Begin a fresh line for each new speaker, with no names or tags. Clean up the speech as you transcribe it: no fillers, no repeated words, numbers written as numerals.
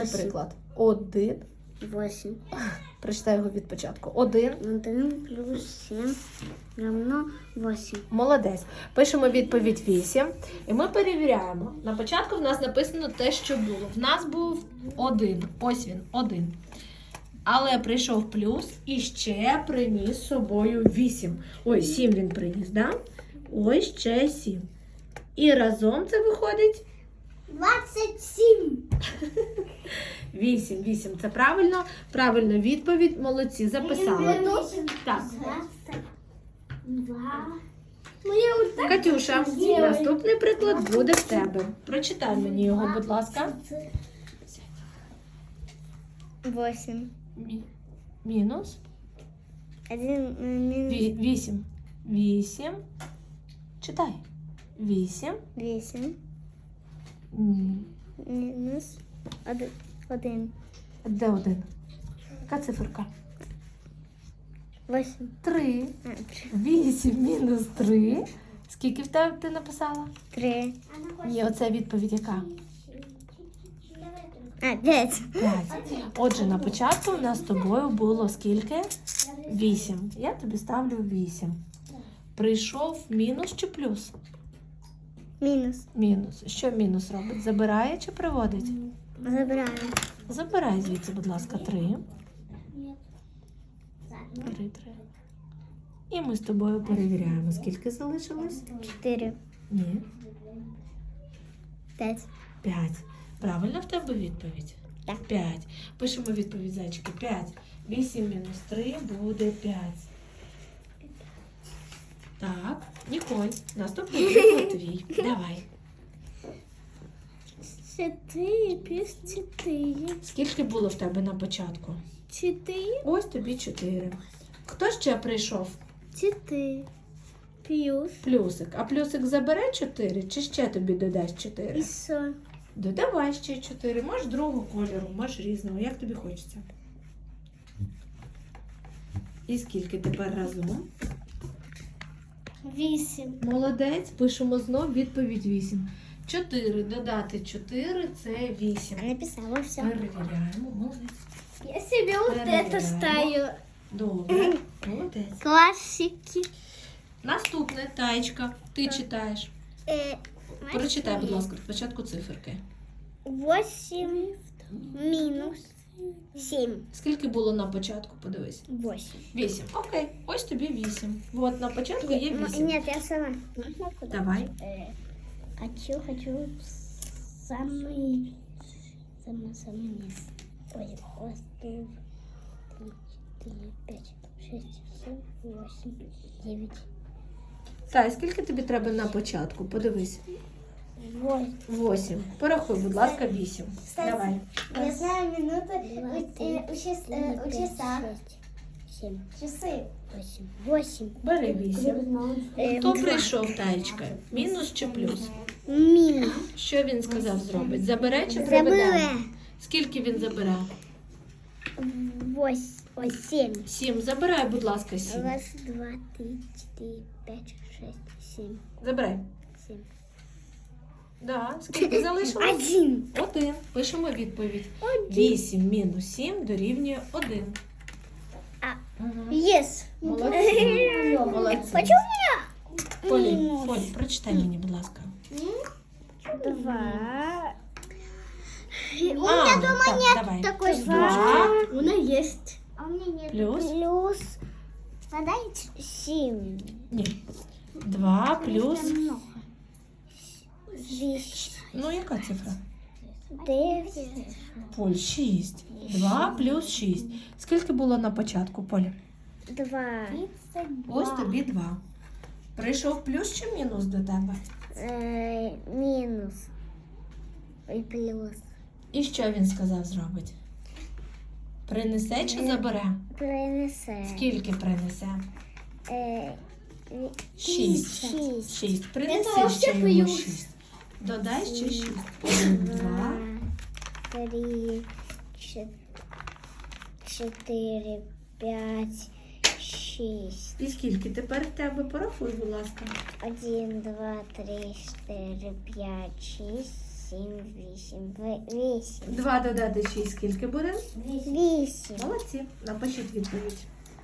Приклад. 1.
8.
Прочитай його від початку. 1.
1 плюс 7 равно 8.
Молодець. Пишемо відповідь 8. І ми перевіряємо. На початку в нас написано те, що було. В нас був 1. Ось він, 1. Але прийшов плюс і ще приніс з собою 8. Ой, 7 він приніс, да? Ось ще 7. І разом це виходить
27.
8. 8. Це правильно? Правильна відповідь. Молодці, записали. Так.
2.
Катюша, наступний приклад буде в тебе. Прочитай мені його, будь ласка.
8.
Мінус
1 минус
8. 8. Читай. 8.
8 минус 1.
Де 1? Яка циферка?
8.
3. 8 мінус 3. Скільки в тебе ти написала?
3.
Ні, оце відповідь яка?
5.
5. Отже, на початку у нас з тобою було скільки? 8. Я тобі ставлю 8. Прийшов мінус чи плюс?
Мінус.
Мінус. Що мінус робить? Забирає чи приводить?
Забираємо.
Забирай звідси, будь ласка, 3. 3. І ми з тобою перевіряємо, скільки залишилось?
4.
Ні.
5.
5. Правильно в тебе відповідь?
Так.
5. Пишемо відповідь, зайчики. 5. 8 мінус 3 буде 5. Так. Ніколь, наступний приклад твій. Давай.
4 плюс 4.
Скільки було в тебе на початку?
4.
Ось тобі 4. Хто ще прийшов?
4. Плюс.
Плюсик. А плюсик забере 4 чи ще тобі додасть 4?
І що?
Додавай ще 4. Можеш другого кольору, можеш різного. Як тобі хочеться? І скільки тепер разом?
8.
Молодець. Пишемо знов відповідь 8. 4 додати 4 – це 8.
Написала все.
Перевіряємо. Молодець.
Я себе вот это ставлю.
Добре. Молодець.
Классики.
Наступне, Таєчка, ти читаєш. Прочитай, будь ласка, спочатку циферки.
8 минус 7.
Скільки було на початку, подивись.
8.
8. Окей, ось тобі 8. От на початку є 8.
Нет, я сама. Можно куда?
Давай.
Хочу самый низ. Ой, 1, 2, 3, 4, 5, 6, 7, 8, 9.
Сай, скільки тобі треба на початку? Подивись. 8. Порахуй, будь ласка, 8. Давай.
Я знаю минуты у часа. 7. Часы. 8.
Бери 8. Хто прийшов, Таєчка? Мінус чи плюс?
Минус.
Що він сказав зробить? Забере чи приведе? Скільки він забере?
7.
7. Забирай, будь ласка, 7.
Раз, 2, 3, 4, 5, 6, 7.
Забирай.
7.
Да. Скільки залишилось?
1.
1. Пишемо відповідь. 8 мінус 7 дорівнює 1.
Yes.
Молодці. Молодці.
Почему у меня?
Полі, прочитай мені, будь ласка.
2. У
А,
меня дома
так,
нет
давай.
такой
2
штучки. У меня есть. А у меня нет.
плюс?
Плюс. Подайте 7.
Ні. 2 плюс.
Много. 10.
Ну, яка цифра?
9.
Поль, 6. 2 плюс 6. Скільки було на початку, Полі?
2.
Ось тобі 2. Прийшов плюс чи мінус до тебе?
Минус. И плюс.
І що він сказав зробить? Принесе чи забере?
Принесе.
Скільки принесе? 6.
6.
6.
Это
Принеси
вообще
ще йому
плюс.
6. Додай ще 6. 1, 2.
3, 4, 5, 6.
І скільки тепер в тебе? Порахуй, будь ласка.
1, 2, 3, 4, 5, 6, 7, 8.
2 додати 6 скільки буде?
8.
Молодці. Напишіть відповідь.